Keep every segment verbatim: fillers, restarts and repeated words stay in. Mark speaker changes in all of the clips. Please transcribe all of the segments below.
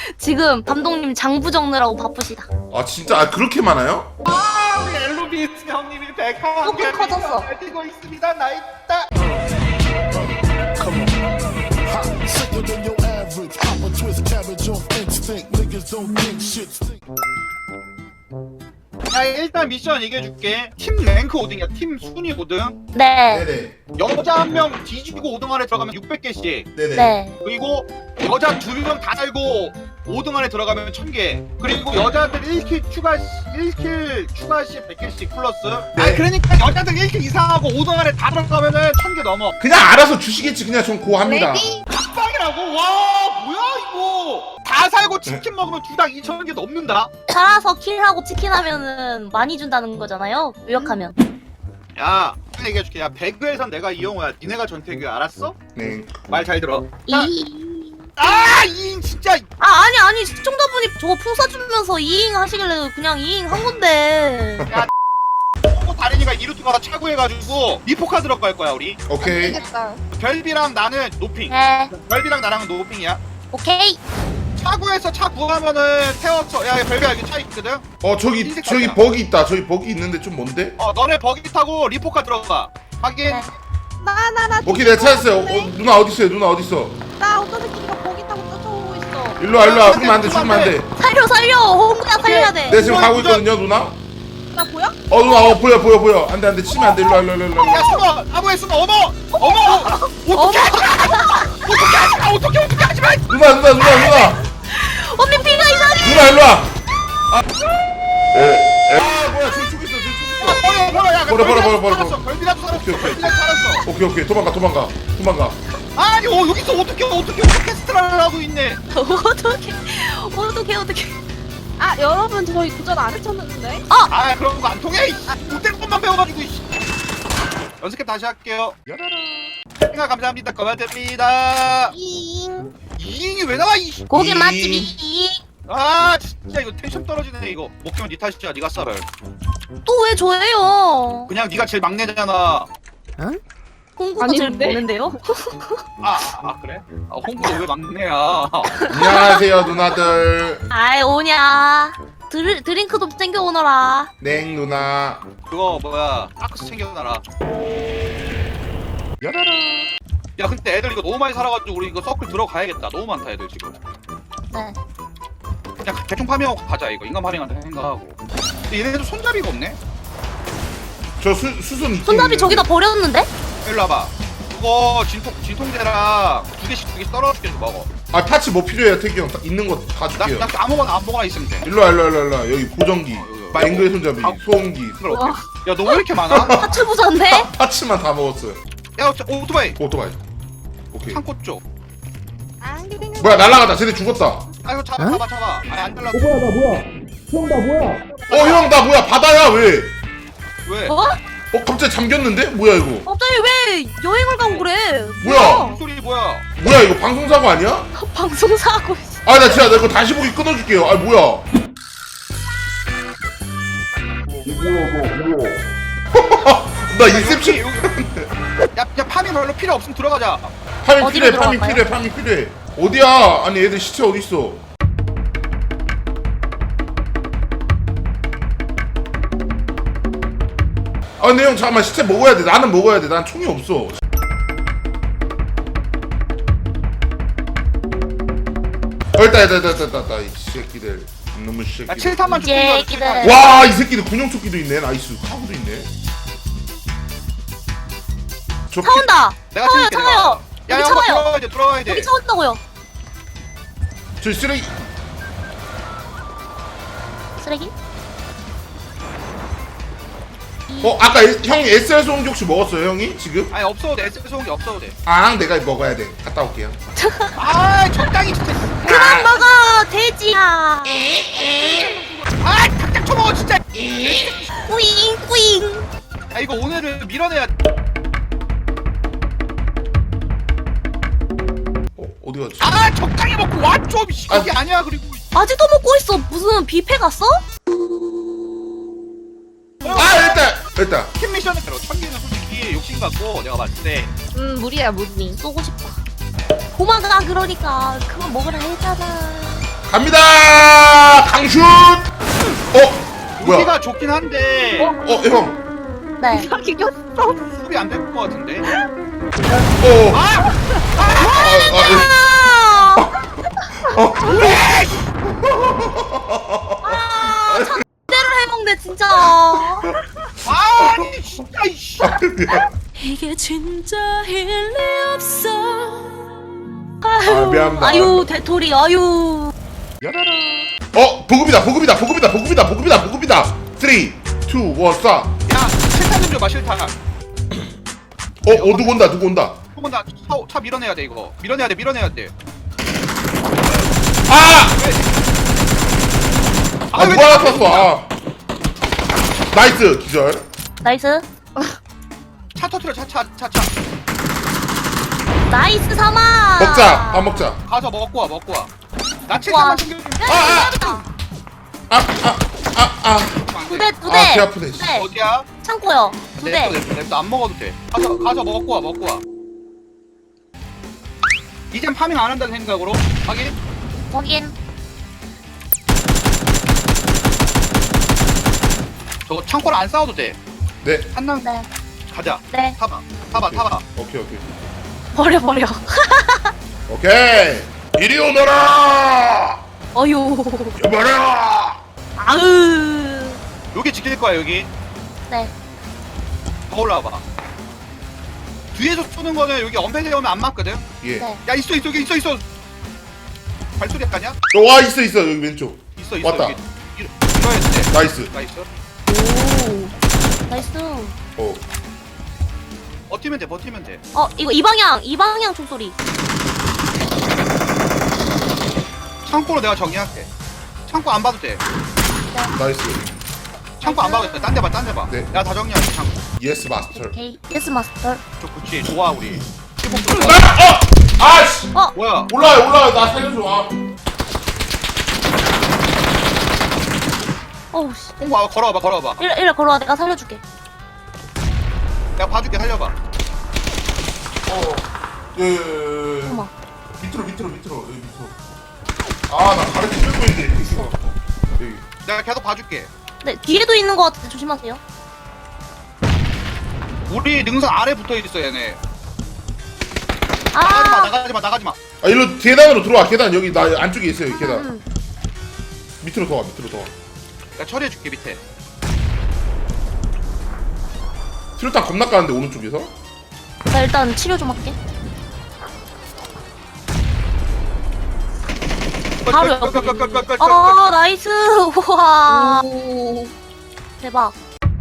Speaker 1: 지금 감독님 장부 적느라고 바쁘시다.
Speaker 2: 아 진짜 아 그렇게 많아요?
Speaker 3: 아 우리 엘로비스 형님이 백한
Speaker 1: 조금
Speaker 3: 개
Speaker 1: 커졌어.
Speaker 3: 뛰고 있습니다. 나 있다.
Speaker 4: Sicker than your average. Pop a twist cabbage off instinct. Niggas don't think shit stink.
Speaker 3: 야 일단 미션 얘기해줄게. 팀 랭크 오 등이야. 팀 순위 오 등.
Speaker 1: 네.
Speaker 2: 네네
Speaker 3: 여자 한 명 뒤지고 오 등 안에 들어가면 육백 개씩.
Speaker 2: 네네
Speaker 1: 네.
Speaker 3: 그리고 여자 두 명 다 달고 오 등 안에 들어가면 천 개. 그리고 여자들 일 킬 추가 시, 일 킬 추가 시 백 개씩 플러스.
Speaker 2: 네.
Speaker 3: 아 그러니까 여자들 일 킬 이상하고 오 등 안에 다 들어가면은 천 개 넘어.
Speaker 2: 그냥 알아서 주시겠지. 그냥 전 고합니다.
Speaker 3: 빡이라고? 와 뭐야 이거? 다 살고 치킨 먹으면 두당 이천 개 넘는다.
Speaker 1: 살아서 킬하고 치킨 하면은 많이 준다는 거잖아요. 요약하면.
Speaker 3: 야 빨리 얘기해줄게. 야 배그에선 내가 이영호야. 니네가 전태규 알았어?
Speaker 2: 네
Speaker 3: 말 잘 들어. 자,
Speaker 1: 이.
Speaker 3: 아 이인 진짜.
Speaker 1: 아 아니 아니 시청자분이 저거 풍 쏴주면서 이잉 하시길래 그냥 이잉 한 건데.
Speaker 3: 어, 다린이가 이루트가 차구해가지고 리포카 들어갈 거야 우리.
Speaker 2: 오케이
Speaker 3: 별비랑 나는 노핑.
Speaker 1: 네.
Speaker 3: 별비랑 나랑은 노핑이야.
Speaker 1: 오케이.
Speaker 3: 차구에서 차 구하면은 태워서. 야 별비야 여기 차 있거든.
Speaker 2: 어 저기
Speaker 3: 흰색
Speaker 2: 저기
Speaker 3: 차야.
Speaker 2: 버기 있다. 저기 버기 있는데 좀 뭔데?
Speaker 3: 어 너네 버기 타고 리포카 들어가. 확인.
Speaker 1: 네.
Speaker 5: 나나나
Speaker 2: 오케이 내가 찾았어요. 어, 누나 어디 있어요? 누나 어디 있어?
Speaker 5: 나 어떤 새끼가 거기 타고 쫓아오고 있어.
Speaker 2: 일로 와 일로 와. 죽으면 안 돼. 죽으면 안 돼.
Speaker 1: 살려 살려. 홍구야 살려야 돼.
Speaker 2: 내가 지금
Speaker 3: 누나,
Speaker 2: 가고
Speaker 3: 누나.
Speaker 2: 있거든요, 누나.
Speaker 5: 나 보여?
Speaker 2: 어 누나 어 보여 보여 보여. 안돼 안돼 치면 안돼. 일로 와 일로 와 일로 와.
Speaker 3: 야 숨어. 나무에 숨어. 어머. 어머. 어떻게 하지 마. 어떻게 하지 마. 어떻게 어떻게 하지 마.
Speaker 2: 누나 누나 누나 누나.
Speaker 1: 언니 피가 이상해.
Speaker 2: 누나 일로 와. 아. 에. 에. 아 뭐야 저기 쭉 있어 저기 쭉 있어.
Speaker 3: 버려 버려. 야
Speaker 2: 버려, 버려, 버려, 버려.
Speaker 3: 살았어. 별비라도 살았어.
Speaker 2: 오케이, 오케이.
Speaker 3: 별비라도 살았어.
Speaker 2: 오케이 오케이 도망가 도망가 도망가.
Speaker 3: 아니 어 여기서 어떻게 어떻게 오케스트라를 하고 있네.
Speaker 1: 어떻게 어떻게 어떻게.
Speaker 5: 아 여러분 저희 도전 안 해쳤는데?
Speaker 3: 아 그런 거 안 통해. 못된 것만 배워가지고. 이씨. 연습해 다시 할게요. 생각 감사합니다. 고맙습니다.
Speaker 5: 잉.
Speaker 3: 이잉이 왜 나와 이.
Speaker 1: 고기
Speaker 2: 이-
Speaker 1: 맛집이.
Speaker 3: 아 진짜 이거 텐션 떨어지네 이거. 목표면 니 탓이야. 니가 썰을.
Speaker 1: 또 왜 저예요?
Speaker 3: 그냥 니가 제일 막내잖아.
Speaker 1: 홍구가 제일
Speaker 5: 아닌데?
Speaker 1: 보는데요?
Speaker 3: 아, 아 그래? 아 홍보가 왜 막내야?
Speaker 2: 안녕하세요 누나들.
Speaker 1: 아이 오냐. 드, 드링크도 챙겨 오너라.
Speaker 2: 냉 누나.
Speaker 3: 그거 뭐야? 아크스 챙겨놔라. 야 근데 애들 이거 너무 많이 살아가지고 우리 이거 서클 들어가야겠다. 너무 많다 애들 지금.
Speaker 1: 네.
Speaker 3: 그냥 대충 파밍하고 가자 이거. 인간 파밍한테 생각하고. 근데 얘네들 손잡이가 없네?
Speaker 2: 저 수, 수순 있긴
Speaker 1: 손잡이
Speaker 2: 있는데.
Speaker 1: 저기다 버렸는데?
Speaker 3: 일로 와봐. 그거 진통, 진통제랑 두 개씩 두 개씩 떨어줄게 좀 먹어.
Speaker 2: 아 파츠 뭐 필요해요 태기 형? 다 있는 거 다
Speaker 3: 나,
Speaker 2: 줄게요.
Speaker 3: 나 아무거나 아무거나 있으면 돼.
Speaker 2: 일로 와 일로 와 일로 와, 일로 와. 여기 보정기,
Speaker 3: 어,
Speaker 2: 뱅그의 손잡이,
Speaker 3: 아.
Speaker 2: 소음기.
Speaker 3: 그걸 어떻게? 야너 왜 이렇게 많아?
Speaker 1: 파츠 부자인데?
Speaker 2: 파츠만 다 먹었어요.
Speaker 3: 야 저, 오토바이
Speaker 2: 오토바이. 오케이.
Speaker 3: 창고 쪽.
Speaker 5: 안 그냥.
Speaker 2: 뭐야 날라가다. 쟤네 죽었다.
Speaker 3: 아 이거 잡아 잡아 잡아. 아니 안 달라.
Speaker 2: 어 형 나 뭐야 바다야 왜?
Speaker 3: 왜?
Speaker 1: 어?
Speaker 2: 어 갑자기 잠겼는데? 뭐야 이거?
Speaker 1: 갑자기 왜 여행을 가고 그래?
Speaker 2: 뭐야?
Speaker 3: 목소리 뭐야?
Speaker 2: 뭐야 이거 방송사고 아니야?
Speaker 1: 방송사고.
Speaker 2: 아 나 진짜 나 이거 다시 보기 끊어줄게요. 아 뭐야? 나 인셉션.
Speaker 3: 여기, 여기. 야, 야 파밍 별로 필요 없으면 들어가자.
Speaker 2: 파밍
Speaker 1: 어디로
Speaker 2: 필요해 파밍
Speaker 1: 들어갈까요?
Speaker 2: 필요해 파밍 필요해. 어디야? 아니 애들 시체 어디 있어? 아 근데 형 잠깐만 시체 먹어야 돼. 나는 먹어야 돼. 난 총이 없어. 어 있다 있다 있다 있다 있다 이 새끼들 너무
Speaker 3: 야
Speaker 2: 새끼들.
Speaker 3: 칠탄만 좀
Speaker 1: 이제
Speaker 3: 땡겨줘,
Speaker 1: 애기들.
Speaker 3: 칠탄.
Speaker 2: 와 이 새끼들 군용조끼도 있네. 나이스 카고도 있네. 저
Speaker 1: 차 온다.
Speaker 3: 내가
Speaker 1: 차와요
Speaker 3: 챙길게,
Speaker 1: 차와요.
Speaker 3: 야,
Speaker 1: 여기
Speaker 3: 야,
Speaker 1: 차와요.
Speaker 3: 들어가야 돼, 들어가야 돼.
Speaker 1: 여기 차 온다고요.
Speaker 2: 저 쓰레기.
Speaker 1: 쓰레기?
Speaker 2: 어 아까 에- 형이 에스알 소음기 혹시 먹었어요 형이 지금?
Speaker 3: 아니 없어도 돼, 에스 소음기 없어도 돼.
Speaker 2: 아 내가 먹어야 돼. 갔다 올게요.
Speaker 3: 아, 적당히 진짜.
Speaker 1: 그만 먹어 돼지야.
Speaker 3: 아, 탁탁 쳐먹어 진짜.
Speaker 1: 꾸잉 꾸잉.
Speaker 3: 야 이거 오늘은 밀어내야.
Speaker 2: 어 어디 갔지?
Speaker 3: 아, 적당히 먹고 와 좀. 이게
Speaker 2: 아.
Speaker 3: 아니야 그리고.
Speaker 1: 아직도 먹고 있어. 무슨 뷔페 갔어?
Speaker 2: 아 일단 일단
Speaker 3: 팀 미션은 대로 천기는 솔직히 욕심 같고 내가 봤을 때.
Speaker 5: 음 무리야 무리.
Speaker 1: 쏘고 싶다. 도망가 그러니까 그만 먹으라 했잖아.
Speaker 2: 갑니다. 강슛. 어 뭐야?
Speaker 3: 여기가 좋긴 한데
Speaker 2: 어 형.
Speaker 1: 네.
Speaker 5: 자기 꼈어.
Speaker 3: 수비 안 될 것 같은데.
Speaker 2: 어. 아. 아.
Speaker 1: 아,
Speaker 2: 아. 어.
Speaker 1: 아, 잔대를 해먹네 진짜.
Speaker 3: 아니 진짜 이씨.
Speaker 6: 이게 진짜 일리 없어.
Speaker 1: 아유,
Speaker 2: 미안합니다.
Speaker 1: 아유 대토리 아유.
Speaker 2: 어 보급이다 보급이다 보급이다 보급이다 보급이다 보급이다. 삼, 이, 일, 쏴.
Speaker 3: 야 실탄 좀 줘봐 실탄.
Speaker 2: 어, 어 누구 온다 누구 온다.
Speaker 3: 조금 다 차, 차 밀어내야 돼 이거. 밀어내야 돼 밀어내야 돼.
Speaker 2: 아! 아
Speaker 3: 왜
Speaker 2: 누가
Speaker 3: 나-
Speaker 2: 나왔어? 아. 나이스 기절.
Speaker 1: 나이스.
Speaker 3: 차 터트려 차차 차 차.
Speaker 1: 나이스 삼아.
Speaker 2: 먹자. 밥 먹자.
Speaker 3: 가서 먹고 와 먹고 와. 나
Speaker 1: 와.
Speaker 3: 칠탄만 챙겨주면
Speaker 2: 아, 아. 아, 아, 아, 아.
Speaker 1: 두 대, 두 대.
Speaker 2: 아, 개 아프네.
Speaker 1: 두 대.
Speaker 3: 어디야?
Speaker 1: 창고요. 두 대.
Speaker 3: 냅둬 냅둬 냅둬 안 먹어도 돼. 가서 가서 먹고 와 먹고 와. 이젠 파밍 안 한다는 생각으로 확인.
Speaker 1: 확인.
Speaker 3: 저 창고를 안 싸워도 돼.
Speaker 2: 네.
Speaker 3: 한남
Speaker 1: 네.
Speaker 3: 가자.
Speaker 1: 네.
Speaker 3: 타봐 타봐 타봐.
Speaker 2: 오케이, 오케이.
Speaker 1: 버려 버려.
Speaker 2: 오케이. 이리 오너라.
Speaker 1: 어유.
Speaker 2: 여봐라.
Speaker 1: 아으.
Speaker 3: 여기 지킬 거야 여기.
Speaker 1: 네.
Speaker 3: 더 올라와봐. 뒤에서 쏘는 거는 여기 엄폐대 오면 안 맞거든.
Speaker 2: 예.
Speaker 1: 네.
Speaker 3: 야 있어 있어 여기 있어 있어. 발소리 약간이야?
Speaker 2: 어, 와 있어 있어 여기 왼쪽.
Speaker 3: 있어 있어
Speaker 2: 왔다.
Speaker 3: 여기. 이러- 이러야 돼.
Speaker 2: 나이스.
Speaker 3: 나 있어.
Speaker 1: 오. 나이스.
Speaker 2: 어.
Speaker 3: 버티면 돼 버티면 돼.
Speaker 1: 어 이거 이 방향 이 방향 총소리.
Speaker 3: 창고로 내가 정리할게. 창고 안 봐도 돼.
Speaker 2: 나이스.
Speaker 3: 창고 안 봐도 돼. 딴 데 봐, 딴 데 봐.
Speaker 2: 네.
Speaker 3: 내가 다 정리할게, 창고.
Speaker 2: 예스 마스터.
Speaker 1: 오케이. 예스 마스터.
Speaker 3: 저, 그치, 좋아, 우리.
Speaker 2: 아, 어! 아씨.
Speaker 1: 어.
Speaker 3: 뭐야?
Speaker 2: 올라요 올라요 나 살려줘. 아.
Speaker 1: 어우 씨.
Speaker 3: 홍보 와, 걸어와봐, 걸어와봐.
Speaker 1: 이래 이래 걸어와 내가 살려줄게.
Speaker 3: 내가 봐줄게, 살려봐.
Speaker 2: 어. 예, 예, 예.
Speaker 1: 어머.
Speaker 2: 밑으로 밑으로 밑으로 여기 밑으로. 아나 가르쳐 들고 있는데. 여기.
Speaker 3: 내가 계속 봐줄게.
Speaker 1: 네 뒤에도 있는 것 같은데 조심하세요.
Speaker 3: 우리 능선 아래 붙어 있어, 얘네. 나가지 마,
Speaker 1: 아.
Speaker 3: 나가지 마, 나가지 마.
Speaker 2: 아 일로 계단으로 들어와. 계단 여기 나 안쪽에 있어요. 계단.
Speaker 1: 음.
Speaker 2: 밑으로 더 와. 밑으로 더 와.
Speaker 3: 내가 처리해줄게, 밑에.
Speaker 2: 트루탄 겁나 까는데 오른쪽에서.
Speaker 1: 나 일단 치료 좀 할게. 바로 옆에. 어 나이스. 우와.
Speaker 5: 오.
Speaker 1: 대박.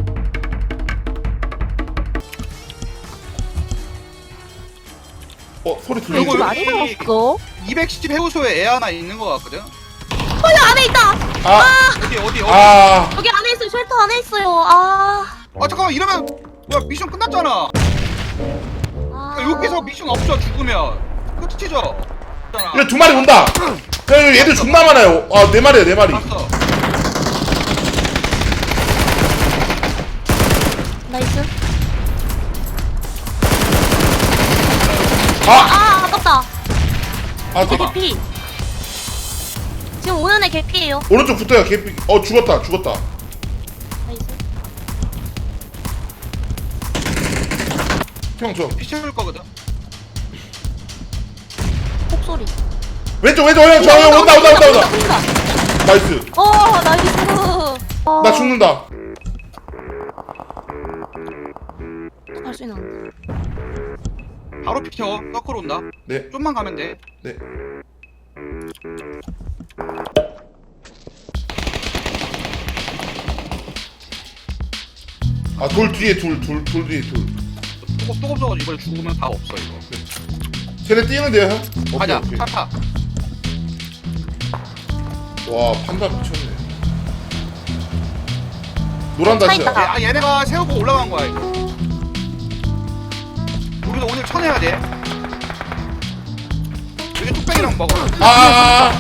Speaker 2: 어 소리
Speaker 3: 요거,
Speaker 2: 들리죠?
Speaker 3: 요거.
Speaker 5: 많이 나왔어.
Speaker 3: 이백십 해우소에 애 하나 있는 거 같거든?
Speaker 1: 어 여기 안에 있다.
Speaker 2: 아,
Speaker 3: 어디, 어디, 어디?
Speaker 2: 아,
Speaker 1: 여기 안에 있어요. 쉘터 안에 있어요. 아.
Speaker 3: 아, 잠깐만, 이러면. 뭐야, 미션 끝났잖아.
Speaker 1: 아.
Speaker 3: 야, 여기서 미션 없어, 죽으면. 끝이죠? 있잖아.
Speaker 2: 이래 두 마리 온다. 야, 여기 애들 존나 많아요. 아, 네 마리야, 네 마리.
Speaker 3: 봤어.
Speaker 1: 나이스.
Speaker 2: 아,
Speaker 1: 아 아깝다.
Speaker 2: 아,
Speaker 1: 제
Speaker 2: 저,
Speaker 1: 개피. 지금 오는 애 개피예요.
Speaker 2: 오른쪽 붙어요. 개피. 어, 죽었다, 죽었다.
Speaker 1: 나이스.
Speaker 2: 형, 저
Speaker 3: 미션 줄 거거든?
Speaker 1: 폭 소리.
Speaker 2: 왼쪽, 왼쪽, 형, 저 형, 온다, 온다, 온다, 온다.
Speaker 1: 온다.
Speaker 2: 나이스.
Speaker 1: 어 나이스. 어.
Speaker 2: 나 죽는다.
Speaker 1: 할 수 있나?
Speaker 3: 바로 비켜. 서클 온다.
Speaker 2: 네,
Speaker 3: 좀만 가면 돼.
Speaker 2: 네. 아, 돌 뒤에 둘, 둘, 돌 뒤에 둘.
Speaker 3: 또없어가지고 이번에 죽으면 다 없어 이거.
Speaker 2: 쟤네 뛰는데요, 형? 오케이,
Speaker 3: 가자.
Speaker 2: 오케이.
Speaker 3: 차 타.
Speaker 2: 와, 판다 미쳤네. 노란
Speaker 1: 차
Speaker 2: 다시야.
Speaker 1: 있다.
Speaker 3: 얘, 아 얘네가 세우고 올라간 거야 이거. 우리도 오늘 쳐내야 돼. 여기 뚝배기랑 먹어.
Speaker 2: 아, 아,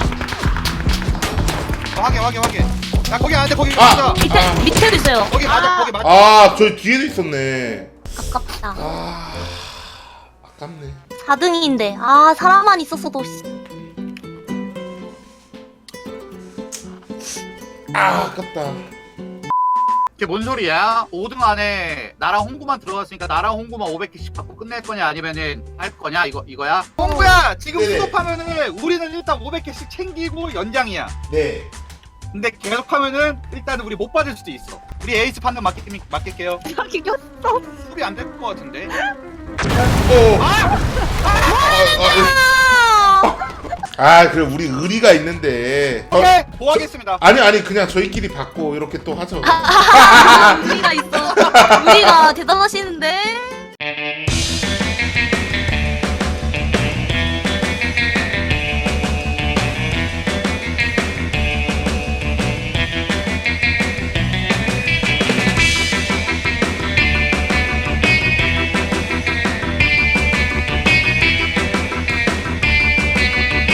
Speaker 3: 어, 확인 확인 확인. 야 거기 안 돼. 거기
Speaker 2: 아.
Speaker 3: 가자.
Speaker 1: 밑에
Speaker 2: 아.
Speaker 1: 밑에도 있어요.
Speaker 3: 거기 맞아.
Speaker 1: 아,
Speaker 3: 거기 맞아.
Speaker 2: 아, 저 뒤에도 있었네.
Speaker 1: 아깝다.
Speaker 2: 아, 아깝네.
Speaker 1: 사 등인데 아 사람만 있었어도 씨.
Speaker 2: 아 아깝다.
Speaker 3: 이게 뭔 소리야? 오 등 안에 나랑 홍구만 들어갔으니까 나랑 홍구만 오백 개씩 받고 끝낼 거냐 아니면은 할 거냐 이거 이거야? 홍구야 지금
Speaker 2: 네네.
Speaker 3: 수급하면은 우리는 일단 오백 개씩 챙기고 연장이야.
Speaker 2: 네.
Speaker 3: 근데 계속하면은 일단은 우리 못 받을 수도 있어. 우리 에이스 판단 맡길, 맡길게요.
Speaker 5: 여기 꼈어.
Speaker 3: 소리 안 될 것 같은데.
Speaker 2: 오. 아, 아, 아 그래 우리 의리가 있는데. 어,
Speaker 3: 오케이 보하겠습니다.
Speaker 2: 아니 아니 그냥 저희끼리 받고 이렇게 또 하죠.
Speaker 1: 우리가 있어. 우리가 대단하시는데.